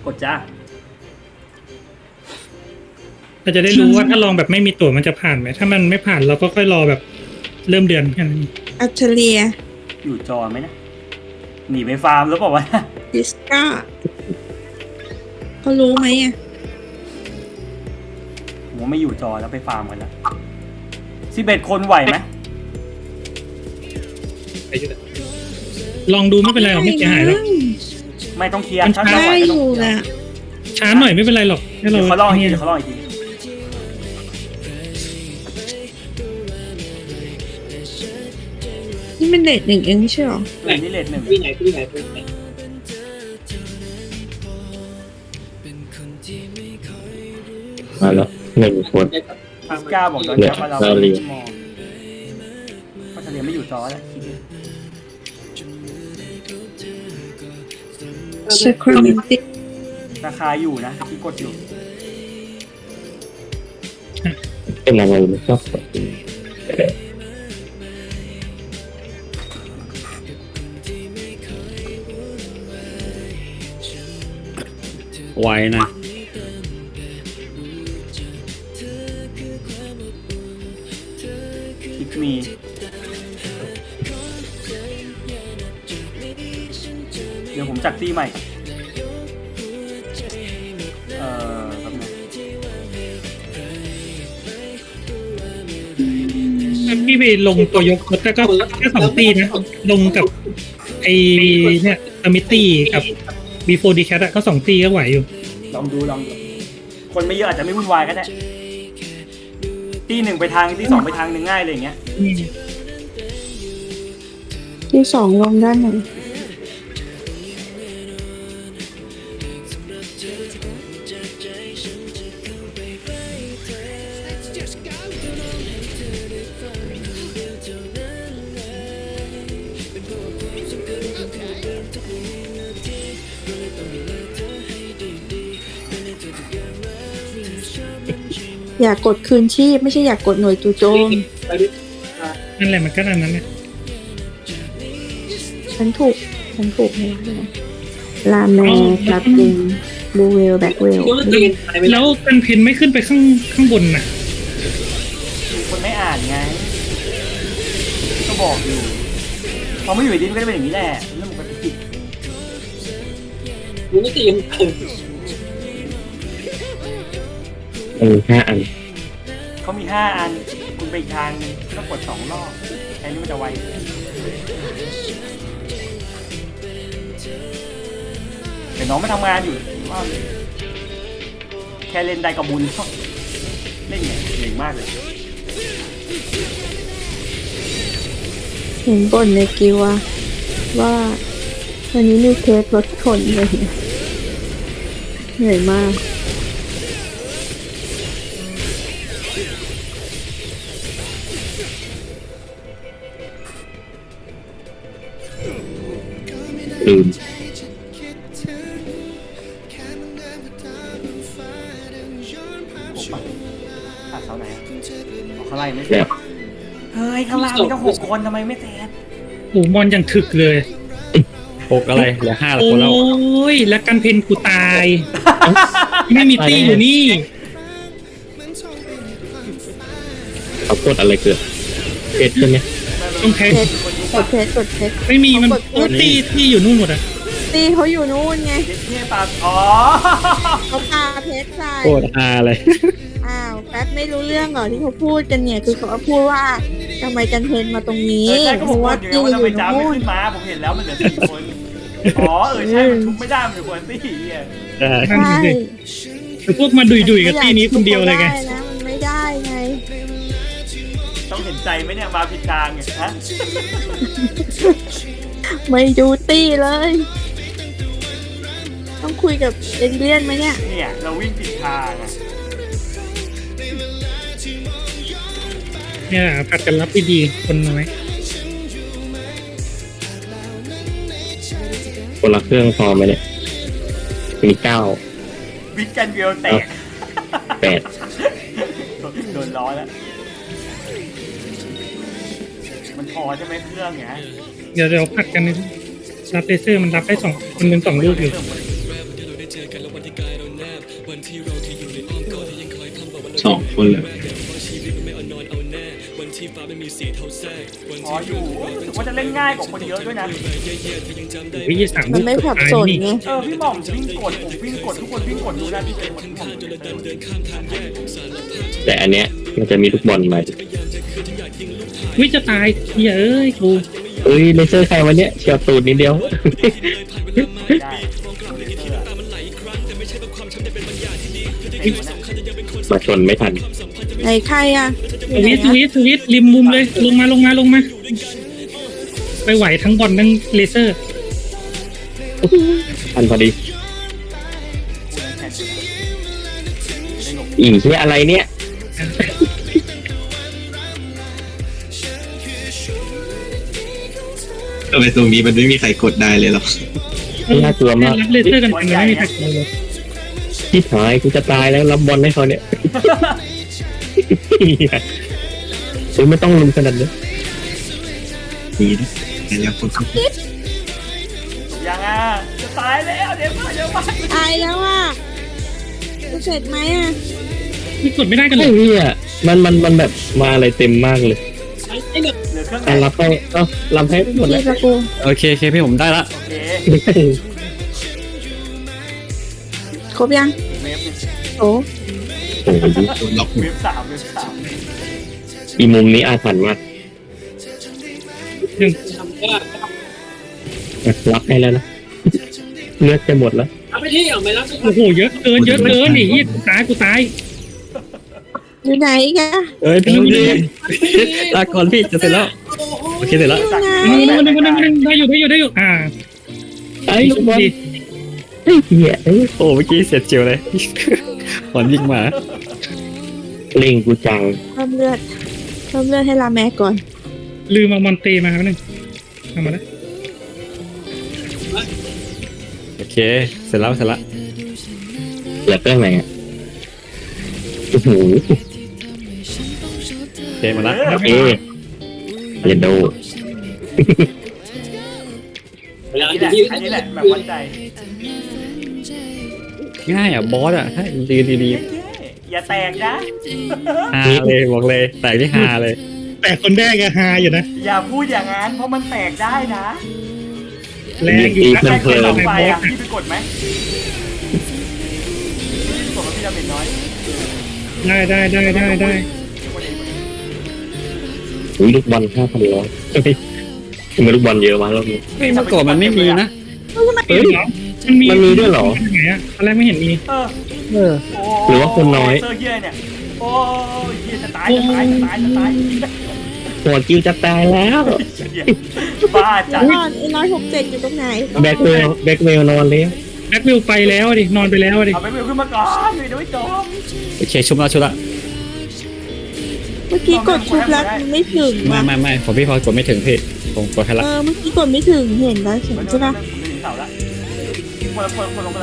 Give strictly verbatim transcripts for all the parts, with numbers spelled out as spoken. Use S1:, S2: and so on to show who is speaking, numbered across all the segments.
S1: ดจ้า
S2: เราจะได้รู้ว่าถ้าลองแบบไม่มีตั๋วมันจะผ่านไหมถ้ามันไม่ผ่านเราก็ค่อยรอแบบเริ่มเดือนแค่นั้น
S3: อัลเทเลีย
S1: อยู่จอไหมนะหนีไปฟาร์มแล้วบอกว่า
S3: ดิสกาเขารู้ไหมอ่ะ
S1: ผมว่าไม่อยู่จอแล้วไปฟาร์มกันแล้วสิบเอ็ดคนไหวไหม
S2: ลองดูไม่เป็นไรหรอกไม่เสียหายหรอก
S1: ไม่ต้องเคลียร์
S2: มัน
S1: ถ้า
S3: ได้
S1: ไม่ไหว
S3: อ
S1: ก็ต้
S3: ยู่
S1: องเคลีย
S3: แหละ
S1: ร์
S2: ช้าหน่อยไม่เป็นไรหรอกให้เรา
S1: เดี๋ยวเขาลองอีกที
S2: เนี่ย
S1: เดี๋ยวเขาลองอีกที
S3: นี่มันเลทหนึ่งเองไม่ใช่หรอ
S1: เออนี่เลทหนึ่ง
S4: ที่ไหนที่ไหนที่ไหน
S5: มาแล้วหนึ่งคน
S1: ฟิสก้าบอกย้อน
S5: เนี่ย
S1: กลับมาเรา
S5: เราเรียน
S1: มองเพราะทะเลไม่อยู่จอแล้วคิดดู
S3: เชครมิติ
S1: ราคาอยู่นะที่กดอยู่
S5: เป็นอะไรไม่ชอบกด
S6: ไว้นะ
S1: คิดมีเดี๋ยวผมจัดตีใหม่เอ่อครับนะ
S2: พี่ไปลงตัวยกรถก็แค่สองตีนะลงกับไอเนี่ยอมิตี้กับบีโฟดีแคทก็สองตีก็ไหวอยู่
S1: ลองดูลองดูคนไม่เยอะอาจจะไม่วุ่นวายก็ได้ตีหนึ่งไปทางตีสองไปทางหนึ่งง่ายเลยอย่างเงี้ย
S3: ที่สองลงด้านไหน อยากกดคืนชีพไม่ใช่อยากกดหน่วยจู่โจม
S2: นั่นแหละมันก็อันนั้นเนี่ย
S3: ฉันถูก ฉันถูกเลยลาแมร์ลาติงบูเวลแบ็กเวล
S2: แล้วกันเพนไม่ขึ้นไปข้างข้างบนน่ะ
S1: คนไม่อ่านไงก็บอกอยู่พอไม่อยู่ดีมันก็จะเป็นอย่างนี้แหละเรื่องปกติ
S4: มึงไม่ตีม
S5: เออห้าอัน
S1: เขามีห้าอันคุณไปอีกทางนึงก็กดสองรอบแค่นี้มันจะไวแต่น้องไม่ทำงานอยู่ว่าแค่เล่นได้กับบุญเล่นเนี่ยเก่งมากเลย
S3: เห็นบ่นในกิวอะว่าวันนี้มีเทสรถชนเลยเหนื่อยมาก
S5: ลืม
S1: หกป่ะขาดเสาไหนอะอ๋อข้างล่างยังไม่เสร็
S5: แล้
S1: จ
S5: ว
S1: เฮ้ยข้างล่างมีตั้งหกคนทำไมไม่เสร็จ
S2: โอ้บอลยังถึกเลย
S6: หกอะไรเหลือห้า
S2: โอ
S6: คนแล้ว
S2: ้ยแล้วกันเพนกูตาย ไม่มีตีอยู่นี่
S5: เขากดอะไรเกิดเพชรใช่ไหม
S2: ต้องแพ้
S3: เทสกดเทสกดเทส
S2: ไม่มีมันโอ้ตีที่อยู่นู่นหมดอ่ะ
S3: ตีเขาอยู่นู่นไง
S1: เด็กเทพปาอ๋อ
S3: เขาพาเพชรใส่
S6: โคตรฮาเลย
S3: อ้าวแป๊บไม่รู้เรื่องเหรอที่เขาพูดกันเนี่ยคือเขาพูดว่าทำไมกันเพนมาตรงนี้
S1: เออใช่ก็
S3: เพ
S1: ผม
S3: ราะ
S1: บอ
S3: ว่าก
S1: อยู่
S3: ตี
S1: ไงว่าทำ
S3: อ
S1: ไม
S3: ยู่
S1: จ้าไม่
S3: นู่น
S1: ขึ้นมาผมเห็นแล้วมันเหลือสี่คนอ๋อเออใช่มันทุบไม่ได้มันอยู่คนตี้อ่ะ
S6: ใช่
S2: นั่น
S3: ใช่
S2: สิคือพวกมาดุยดุยๆกับตีนี้คนเดียวเลยไง
S3: ม่อานะมันไม่ได้ไง
S1: ต้องเห็นใจไหมเนี่ยมาผิดทางไงฮะ
S3: ไม่ดูตี้เลย ต้องคุยกับเอเลียนไหมเนี่ย
S1: เนี่ยเราวิ่งผิดทางอ่ะ
S2: เนี่ยผัดกันรับดีๆคนน้อย
S5: คนละเครื่องพอไหมเนี่ยมีเก้า
S1: วิกกันเวลแตก
S5: แปด
S1: โดนล้อแล้วมันพอใช่ไหมเครื่องเนี่ย
S2: เดี๋ยวเดี๋ยวผัดกันรับเลเซอร์มันรับได้สองคนเป็นสองลูกอยู่
S5: สองคนเลย
S1: พออยู่รู้สึกว่าจะเล่นง่ายกว่าคนเยอะด้วยนะ
S2: วิธีสาม
S3: มันไม่สับสนไง
S1: เออพี่หม่อมวิ่งกดผมวิ่งกดทุกคนวิ่งกดดูนะพี่เจมส์พี่หม่อม
S5: แต่อันเนี้ยมันจะมีลูกบอลมา
S2: วิจะตายเหี้ยเอ้ยกู
S5: เอ้ยเลเซอร์ใครวันเนี้ยเชียวตูดนิดเดียว
S1: ได้
S5: มาชนไม่ทัน
S3: ไหนใครอ่ะ
S2: สวิตสวิตสวิตริมมุมเลยลงมาลงมาลงมาไปไหวทั้งบอลทั้งเลเซอร์
S5: ทันพอดี อีเหียอะไรเนี่ย
S4: ทำไมตรงนี้มันไม่มีใครกดได้เลยหรอ
S5: น่ากลัวมาก
S2: รับเลเซอร์กันยังไม่มีใครกลัวเลย
S5: ที่หายกูจะตายแล้วรับบอลให้เขาเนี่ย เฮ้ยไม่ต้องลุมขนาดนี้
S4: ดีนะแต่แล้วคนเขา
S1: ยังอ่ะจะตายแล้วเดี๋ยวมาเดี๋ยวมา
S3: ตายแล้วอ่ะจะเสร็จไหมอ่ะ
S2: นี่กดไม่ได้กันเล
S5: ไอ้
S2: ย
S5: เหี้ยมันมันมันแบบมาอะไรเต็มมากเลย
S1: เหลือเครื่องไหน
S5: การรับให้เอ้ารับให้หมด
S3: พี่
S5: แล้ว
S3: ตะกู
S6: โอเคโอเคพี่ผมได้ละ
S1: โอเค
S3: ครบยัง
S1: เวฟ
S3: โอ้
S5: โอ้โห
S4: โดนล็อกหม
S1: เว
S4: ด
S1: ฟสามเวฟสาม
S5: อีมุมนี้อาถรรพ์มาก
S2: หนึ่ง
S5: รับให้แล้วนะเลือดจะหมดแล้ว
S2: โอ้โหเยอะเกินเยอะเกินไอ้เหี้ยกูตายกูตาย
S3: อยู่ไหนอีกัน
S6: เอ้ยพี่ดีลาก่อนพี่จะเสร็จแล้วโอเคเสร็จแล้ว
S1: สั่ง
S2: นึงนึงนึงนึงได้อยู่ได้อยู่ได้อยู่อ่า
S5: ไอ้ลูกบอลไอ้เหี้ยไอ้
S6: โอ้เมื่อกี้เสร็จเจียวเลยก่อนยิงมา
S5: เล่งกูจัง
S3: เพิ่มเลือดเพิ่มเลือดให้ลาแม็กก่อน
S2: ลืมเอามอนเตมาครับนึงเอามาแล้ว
S6: โอเคเสร็จแล้วเสร็จแล้ว
S5: เหลือเครื่องไหนอ่ะโอ้โห
S6: โอเคหมาละ
S5: โอเคเยนโด
S1: อันนี้แหละอันนี้แหละแบบมั่นใจ
S6: ง่ายอ่ะบอสอ่ะให้ดีดีดี
S1: อย่าแตกนะ
S6: ฮาเลยบอกเลยแตกที่ฮาเลย
S2: แต่คนแรกอะฮาอยู่นะ
S1: อย่าพูดอย่างนั้นเพราะมันแตกได้นะ
S2: แรงอยู่นะ
S1: ใครเคยลอง
S2: ใน
S1: ไป
S2: บอ
S1: อ่ะ
S2: ส
S1: พี่ไปกดไหมพี่กดมาพี่ดาเมจน้อย
S2: ได้ได้ได้ได้ได้
S1: คนเองคนเอง
S5: อุ้ยลูกบอลห้าพันร้อยทำไมลูกบอลเยอะมากรอบนี้
S6: เฮ้ยเมื่อก่อนมันไม่มีนะ
S2: เฮ้ยมันมี
S5: มันมีด้วยเหรอ
S2: ไหนอะตอนแรกไม่เห็นมี
S1: เออ
S6: เออ
S1: โอ้
S5: หรือว่าคนน้อย
S1: เซอร์เฮียเนี่ยโอ้ยเฮียจะตายจะตายจะตายจะตาย
S5: หัวกิ้วจะตายแล้ว
S1: เหี้ยบ้าจัด
S3: นอนไอ้ร้อยหกเจ็ดอยู่ตรงไหน
S5: แบ็คเวลแบ็คเวลนอนแล้ว
S2: แบ็ควิวไปแล้วดินอนไปแล้วดิ
S1: เอาไปเวลขึ้นมาก่อนเดี๋ยวไม่จบ
S6: โอเคชุบแล้วชุบแล้ว
S3: เมื่อกี้กดชุบแล้วมันไม่ถึง
S6: ไม่
S3: ว่ะ
S6: ไม่ไม่ผมพี่พอกดไม่ถึงพี่ผมกดแค่ละ
S3: เออเมื่อกี้กดไม่ถึงเห็นแล้วเห็น
S1: มัน
S3: ใช่ปะ
S1: ผมจะหนีเสาละคนละคนคนลงไปละ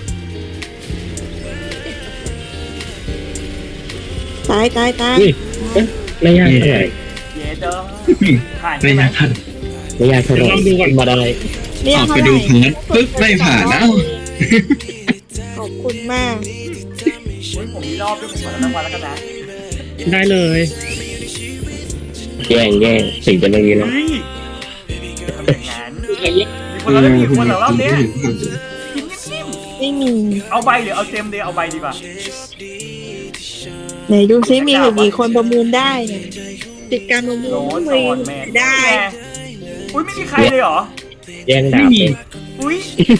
S3: ตายตายตาย
S5: อุ้ยเอ๊ะไม่ยากเท่าไหร่
S1: เย้เด้อผ่าน
S4: ไม่
S1: ใช่ไหม
S4: น่าทัน
S5: ไม่ยากเท่าไหร่มาได้
S3: ไม่อยาก
S4: ออก
S3: เท่า
S4: ไป
S3: ไห
S4: ดู
S3: ร่
S4: พาร์ทปึ๊บไม่ผ่านแล้ว
S3: ขอบคุณมาก
S1: โอ้ยผมมีรอบด้วยผมขอรางวัลแล้วกันนะ
S2: ได้เลย
S5: แย่งแย่งสิ่งจะไม่มีแล้ว
S1: เฮ้ยทำอย่างนั้นมีคนเราได้มีคนเหรอรอบเนี้ยจิ้มจิ้ม
S3: ไม่มี
S1: เอาใบหรือเอาเต็มเลยเอาใบดีกว่า
S3: ไหนดูซิมีถึงกี่คนประมูลได้เนี่ยติดการประมูล
S1: โน้ต
S3: มี
S1: สอนแมน
S3: ได้
S1: อุ้ยไม่มีใครเลยเหรอ
S5: แย่งดา
S2: ไม่
S5: บ
S2: มี
S5: เลย
S1: อุ้ย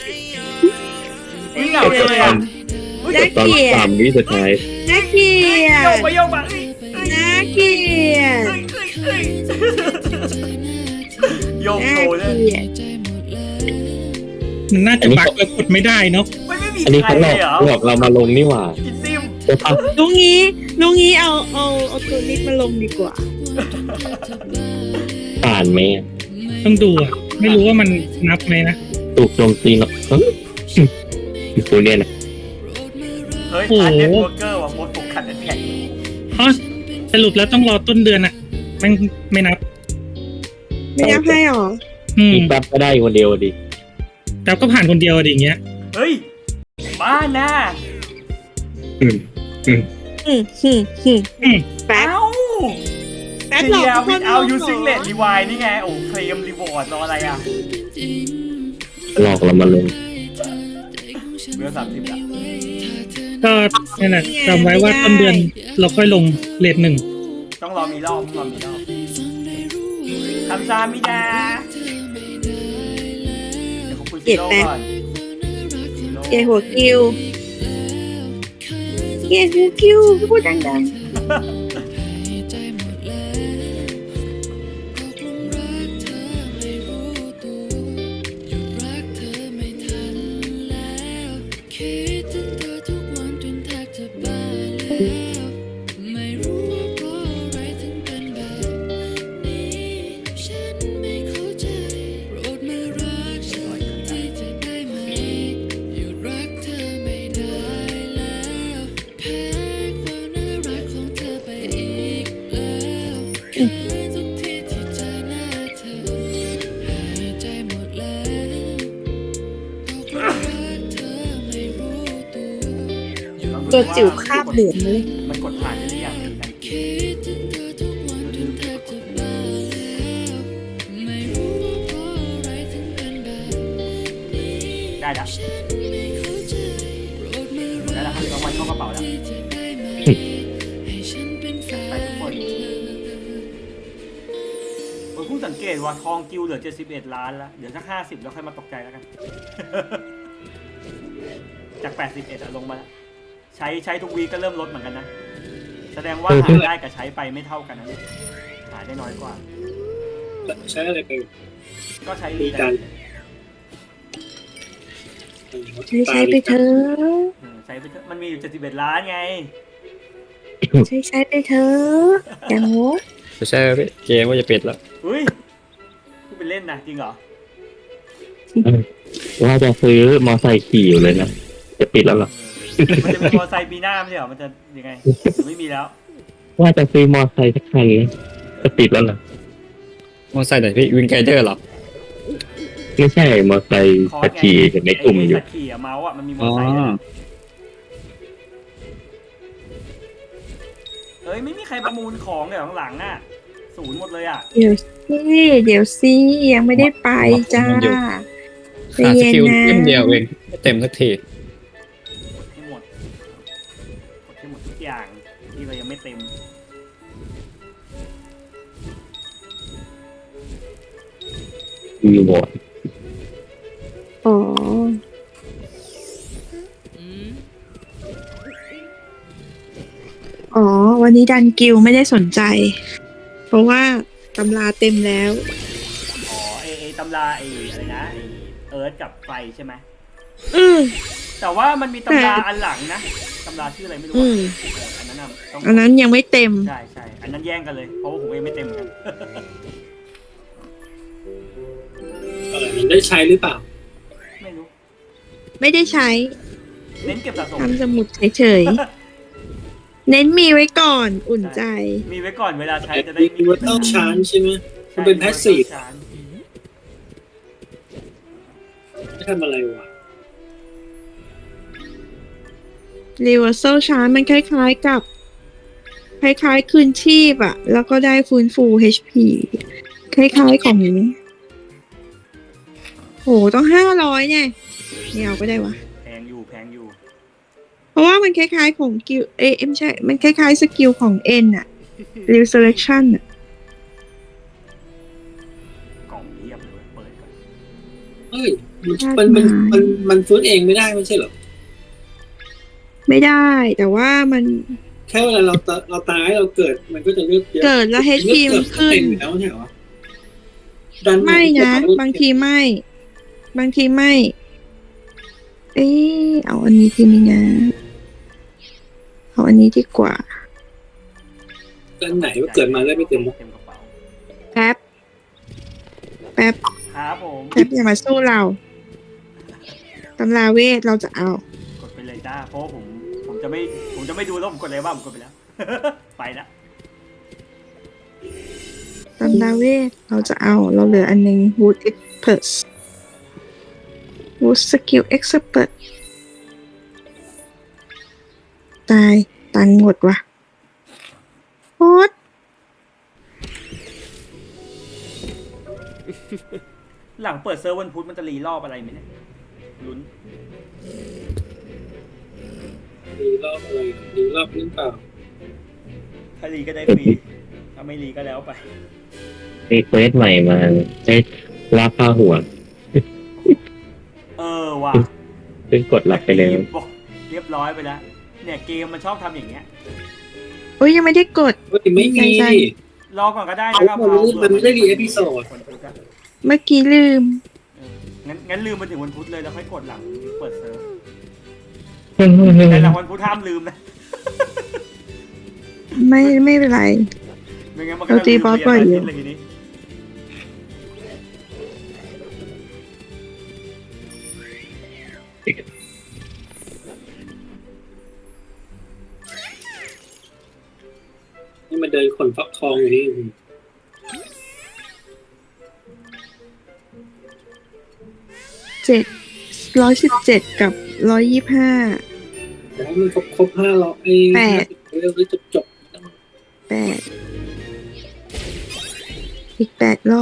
S1: อุ้ยเหงาเลยอ่ะอุ้ย
S3: น่า
S5: ตอน
S3: เกลีย
S5: สา
S3: ด
S5: มวิสุดท้าย
S3: น่าเกลีย
S1: โย
S3: ด
S1: กไปโยกมาเอ้ยเอ้ย
S3: น่าเกลียด
S1: เอ้ยเอ้ยเอ้ยโยก
S3: น่า
S1: โชว์
S3: เก
S1: เลย
S3: ลียด
S2: มันน่าจะบักแล้วกดไม่ได้เนาะ
S1: ไม่ไม่มี
S5: อันนี้
S1: ใคร
S5: เขาหล
S1: เล
S5: อก
S1: ยเหรอ
S5: หลอกเรามาลงนี่หว่า
S1: กินติ้ม
S5: โอ้ปะ
S3: ลุงงี้ลุงงี้เอาเอาเอาตัวนี้มาลงดีกว่า
S5: ผ่านไหมอะ
S2: ต้องดูอะไม่รู้ว่ามันนับไหมนะ
S5: ถูกโจมตีเนาะเฮ้ยกูเนี่ยนะ
S1: เฮ้ย
S2: โอ้โห
S1: อันเน็ตเวิร์กเกอร์ว่ะโมดถูกขัดแท็ก
S2: อ๋อสรุปแล้วต้องรอต้นเดือนอะแม่งไม่นับ
S3: ไม่ได้ให้หรอ
S2: อืม
S5: อีกแป๊บก็ได้คนเดียวดิ
S2: แต่ก็ผ่านคนเดียวดิอย่างเงี้ย
S1: เฮ้ยบ้าน่ะ
S4: อืมอืม
S3: อืมอืมอืมแป๊บ
S1: เอ้า
S3: แป๊บ
S1: เที
S3: หลอก
S1: ยวิดเอา
S3: ทุ
S1: ยู
S3: กคน
S1: ซิงเลดรีวายนี่ไง โอ้เคลมรีวอร์ดรออะไรอ่ะ
S5: หลอกเรามาลง
S1: เบลสามสิบอ่ะ
S2: ก็นั่นแหละจำไว้ว่าต้นเดือนเราค่อยลงเลทหนึ่ง
S1: ต้องรอมีรอบต้องรอมีรอบคำซามิดาเดี๋ยวขอบคุณซีโร่ก่อนซีโร่
S3: เกย์หัวคิวเกย์หัวคิวพูดดังๆตัวจิ๋วคาบเหลืองเลย
S1: มันกดผ่านได้หรือยังได้แล้วได้แล้วครับเอามันเข้ากระเป๋าแล้วไปทุกคนผมเพิ่งสังเกตว่าทองกิวเหลือเจ็ดสิบเอ็ดล้านแล้วเดี๋ยวสักห้าสิบแล้วค่อยมาตกใจแล้วกัน จากแปดสิบเอ็ดอะลงมาแล้วใช้ใช้ทุกวีก็เริ่มลดเหมือนกันนะแสดงว่าหาได้กับใช้ไปไม่เท่ากันนะเนี่ยหาได้น้อยกว่า
S6: ใช้อะไรไป
S1: ก็ใช้
S6: มีการ
S3: ใช้ใช้ไปเถอะ
S1: เออใช้ไปเถอะมันมีอยู่เจ็ดสิบเอ็ดล้านไง
S3: ใช้ใช้ไปเถอะอย่างโง่
S6: ไม่ใช่พี่เกมว่าจะปิดแล้ว
S1: เฮ้ยพูดเป็นเล่นนะจริงเหรอ
S5: ว่าจะซื้อมอไซค์ขี่อยู่เลยนะจะปิดแล้วเหรอ
S1: เออมันจะมีมอเตอร์ไซค์ปีหน้าไม่ใช่เหรอมันจะยังไงไม่มีแล้ว
S5: ว่าจะซื้อมอไซค์สักคันจะปิดแล้วเหรอ
S6: มอไซค์ไหนพี่วินไกเดอร์หรอ
S5: ไม่ใช่มอไซค์
S1: คอร์
S5: ขั
S1: ส
S5: บ
S1: ไง
S5: ขี่อยู่ในกลุ่ม
S1: ไอ้
S5: อยู่
S1: สัตว์ขี่อะเมาส์อะมันมีมอ
S6: อ๋
S1: เต
S6: อ
S1: อร์ไซค์ด้วยนะเฮ้ยไม่มีใครประมูลของเลยหลังๆอะศูนย์หมดเลยอะ
S3: เดี๋ยวสิเดี๋ยวสิยังไม่ได้ไปจ้าใจ
S6: ขาดส
S3: เย็น
S6: กิล
S3: นะ
S6: เล่มเดียวเองไม่เต็มสักที
S1: กดให้หมดกดให้หมดทุกอย่างที่เรายังไม่เต็ม
S5: มีบอร์ด
S3: อ๋ออ๋อ วันนี้ดันกิวไม่ได้สนใจ เพราะว่าตำราเต็มแล้ว
S1: อ๋อไอไอตำราไออะไรนะไอเอิร์ธกับไฟใช่ไหม
S3: อืม
S1: แต่ว่ามันมีตำรา
S3: แต่
S1: อันหลังนะตำราชื่ออะไรไม่รู้
S3: อื
S1: อะ
S3: ม
S1: เอออันนั้นน่ะต้อง
S3: อันนั้นยังไม่เต็ม
S1: ใช่ใช่อันนั้นแย่งกันเลยเพราะว่าผมเองไม่เต็มเหมือนกัน
S6: เออมันได้ใช้หรือเปล่า
S1: ไม่รู้
S3: ไม่ได้ใช้
S1: เน้นเก็บสะสม
S3: ทำสมุดเฉยๆ เน้นมีไว้ก่อนอุ่นใจ
S1: มีไว้ก่อนเวลาใช้จะได้
S6: มีวัตเตอร์ชานใช่ไหมมันเป็นแพสซีฟ
S1: ใช่
S6: ไม่ทำอะไรวะ
S3: Reversal Charge มันคล้ายๆกับ คล้ายๆคืนชีพอะแล้วก็ได้ฟื้นฟู เอช พี คล้ายๆของโหต้องห้าร้อยเนี่ยไม่เอาก็ได้วะ
S1: แพงอยู่แพงอยู่
S3: เพราะว่ามันคล้ายๆของกิลเอยไม่ใช่ มันคล้ายๆสกิลของ N อะ Resurrection อะ
S1: กล่องเรียบเลยเปิดก่อน
S6: เฮ้ยมันมันมันมันฟื้นเองไม่ได้ไม่ใช่เหรอ
S3: ไม่ได้แต่ว่ามัน
S6: แค่เวลาเราตเราตายเราเกิดมันก็จะเลือดเยอะ
S3: เกิดแล้ว เอช พี
S6: เลื
S3: มั
S6: อน ด
S3: ขึ้น
S6: เต็มอยู่แล้วใช่เหรอดัน
S3: ไม่นะ บางทีไม่ บางทีไม่ เอ๊ะเอาอันนี้ทีนี้นะเอาอันนี้ดีกว่า
S6: ดันไหนว่าเกิดมาแล้วไม่เต็มวะ
S1: เต็มกระเป๋า
S3: แป๊บ แป๊บ
S1: ครับผม
S3: แป๊บอย่ามาสู้เราตำราเวทเราจะเอา
S1: กดไปเลยจ้าเพราะว่าผมผมจะไม่ผมจะไม่ดูแล้วผมกดเลยว่าผมกดไปแล้ว ไปแล้ว
S3: ตำราเวทเราจะเอา เราเหลืออันหนึง Wood Expert Wood Skill Expert ตาตันหมดว่ะโคตร
S1: หลังเปิดเซิร์ฟวันพุธมันจะรีรอบอะไรไหมเนี่ยลุ้น
S7: ดีรอบอะไรดีรอบหรือเปล่า
S1: ถ้ารีก็ได้ฟรีถ้าไม่รีก็แล้วไป
S5: มีเควสใหม่มาได้ลากผ้าหัว
S1: เออว่ะ
S5: ซึ่งกดรับไปแล้ว
S1: บอกเรียบร้อยไปแล้วเนี่ยเกมมันชอบทำอย่างเงี้ย
S3: โอ้ยยังไม่ได้กด
S7: เฮ้ยไม่มี
S3: ใช่
S1: รอก่อนก็ได้
S7: เอา
S1: นะครับ
S7: มันมันไม่ได้รีเอพิโซด
S1: วันพุธอะ
S3: เมื่อกี้ลืม
S1: เอองั้นงั้นลืมมาถึงวันพุธเลยแล้วค่อยกดหลังเปิดเซิร์ฟแต่หลังวันพุธห้ามลืมนะ
S3: ไม่ไม่เป็นไร
S1: ไม่งั้นมันก็
S3: เราตีบอสบ่อยอยู่
S1: เรีนอาทิตเลยทีนี้
S7: นี่มันเดินขนฟักทองอยู่นี่
S3: เจ็ดร้อยสิบเจ็ดกับร้อยยี่ห้า
S7: แล้วมันครบครบห้าร้อย
S3: แปด
S7: เรื่องจบจบ
S3: แปดอีกแปดรอบ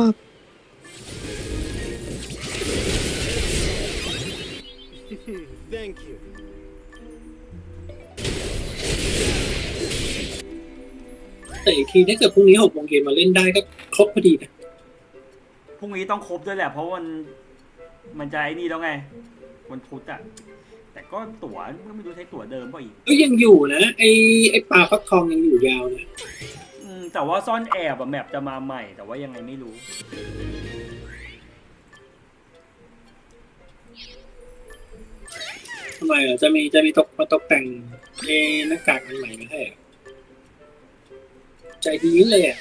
S7: แต่อีกทีถ้าเกิดพรุ่งนี้หกโมงเย็นมาเล่นได้ก็ครบพอดีนะ
S1: พรุ่งนี้ต้องครบด้วยแหละเพราะวันมันจะไอ้นี่แล้วไงวันพุธอะแต่ก็ตั๋วก็ไม่รู้ใช้ตั๋วเดิมเปล่าอีก
S7: ก็ยังอยู่นะไอไอปลาฟักทองยังอยู่ยาวนะ
S1: อืมแต่ว่าซ่อนแอบอะแมปจะมาใหม่แต่ว่ายังไงไม่รู้
S7: ทำไมอ่ะจะมีจะมีตกมาตกแต่งเอหน้ากากอันใหม่มาให้อ่ะใจดีเลยอ่ะ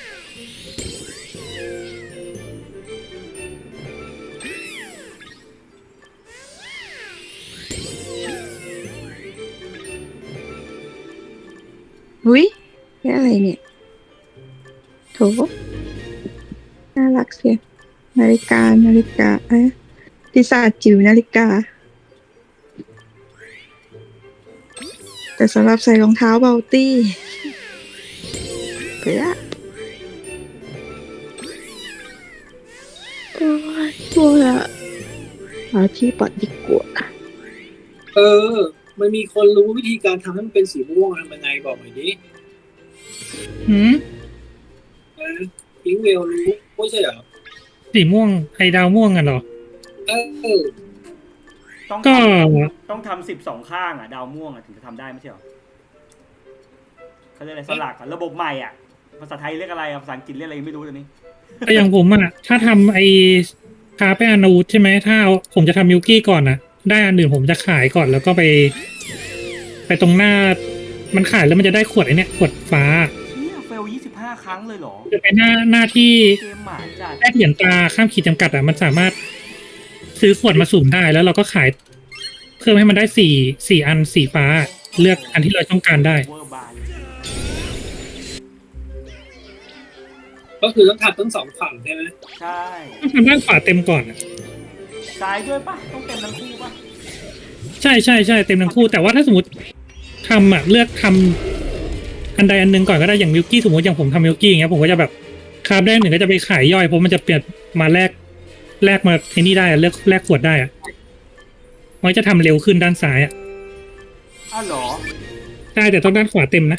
S3: อุ้ยนี่อะไรเนี่ยโถน่ารักเสียนาฬิกานาฬิกาเอ๊ะปีศาจจิ๋วนาฬิกา แต่สำหรับใส่รองเท้าเบลตี้ไปละโอ้ยตัวละหาที่ปัดดีกว่า
S7: เออ มันมีคนรู้วิธีการทำให้มันเป็นสีม่วงทำยังไงบอกหน่อยดิ
S2: หืม
S7: นะพิงเวลรู้ไม่ใช่เหรอ
S2: สีม่วงไอดาวม่วงกันเหรอ
S7: เออ
S1: ต้อง
S2: ก็
S1: ต้องทำสิบสองข้างอะดาวม่วงอะถึงจะทำได้ไม่ใช่หรอเขาเรียกอะไรสลักอะระบบใหม่อะภาษาไทยเรียกอะไรอะภาษาอังกฤษเรียกอะไรไม่รู้ตอนนี้
S2: แต่อย่างผมอะถ้าทำไอคาไปอานูใช่ไหมถ้าเอาผมจะทำมิลกี้ก่อนนะได้อันอื่นผมจะขายก่อนแล้วก็ไป ไปตรงหน้า มันขายแล้วมันจะได้ขวดไอเนี้ยขวดฟ้า
S1: เนี่ยเฟลยี่สิบห้าครั้งเลยเหรอ
S2: จะเป็นหน้าหน้าที่
S1: เกมหมาจัด
S2: แลกเหรียญตาข้ามขีดจำกัดอะมันสามารถซื้อขวดมาสุ่มได้แล้วเราก็ขาย เพิ่มให้มันได้สี่สี่อันสีฟ้า เลือกอันที่เราต้องการได้
S1: เวอร์บาน
S7: ก็คือต้องทำทั้งสองฝั่งใช่ไหม
S1: ใช่
S2: ต้องทำด้านขวาเต็มก่อนอะ
S1: ซ้ายด้วยปะต้องเต็มทั้งคู่ปะ
S2: ใช่ใช่ใช่เต็มทั้งคู่แต่ว่าถ้าสมมติทำอ่ะเลือกทำอันใดอันหนึ่งก่อนก็ได้อย่างมิลกี้สมมติอย่างผมทำมิลกี้อย่างเงี้ยผมก็จะแบบคาบได้หนึ่งก็จะไปขายย่อยเพราะมันจะเปลี่ยนมาแลกแลกมาไอ้นี่ได้อะเลือกแลกขวดได้อะมันจะทำเร็วขึ้นด้านซ้ายอ่ะ
S1: อ้าวเหรอ
S2: ได้แต่ต้องด้านขวาเต็มนะ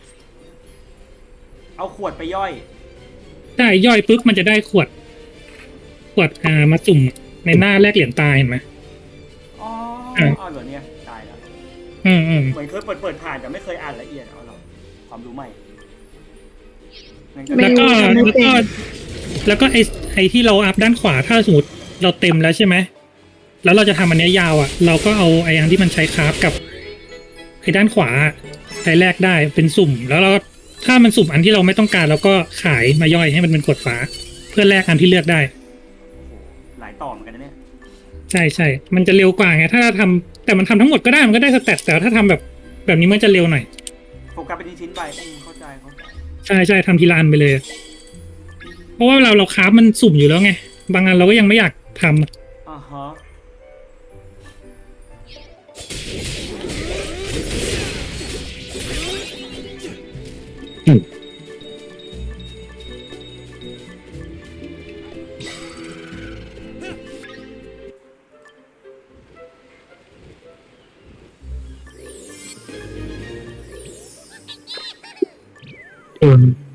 S1: เอาขวดไปย่อย
S2: ได้ย่อยปุ๊บมันจะได้ขวด ขวดอ่ามาสุ่มในหน้าแลกเหรียญตายเห็นไหม
S1: อ๋อ
S2: อ่ะ
S1: เอาเหรอเนี่ยตายแล้ว
S2: อืมอืม
S1: เหมือนเคยเปิดเปิดผ่านแต่ไม่เคยอ่านละเอียดเอาเหรอความรู้ใหม่งั้นก็
S3: ไม่
S2: แล้วก็
S3: ทำไม่
S2: แล้ว
S3: เป็น
S2: ก็แล้วก็ไอไอที่เราอัพด้านขวาถ้าสมมติเราเต็มแล้วใช่ไหมแล้วเราจะทำอันเนี้ยยาวอ่ะ เราก็เอาไออันที่มันใช้คราฟกับไอด้านขวาใช้แลกได้เป็นสุ่ม แล้วเราก็ถ้ามันสุ่มอันที่เราไม่ต้องการเราก็ขายมาย่อยให้มันเป็นขวดฟ้า เพื่อแลกอันที่เลือกได้
S1: หลายต่อเหมือนกันนะเนี่ย
S2: ใช่ใช่มันจะเร็วกว่าไงถ้าเราทำแต่มันทำทั้งหมดก็ได้มันก็ได้สแตทแต่ถ้าทำแบบแบบนี้มันจะเร็วหน่อย
S1: โฟกัสเป็นชิ้นๆไปอืมเข้าใจเข้าใจ
S2: ใช่ใช่ทำทีละอันไปเลย เพราะว่าเราเราคราฟมันสุ่มอยู่แล้วไง บางอันเราก็ยังไม่อยากทำ
S1: อ่าฮะ
S2: อืม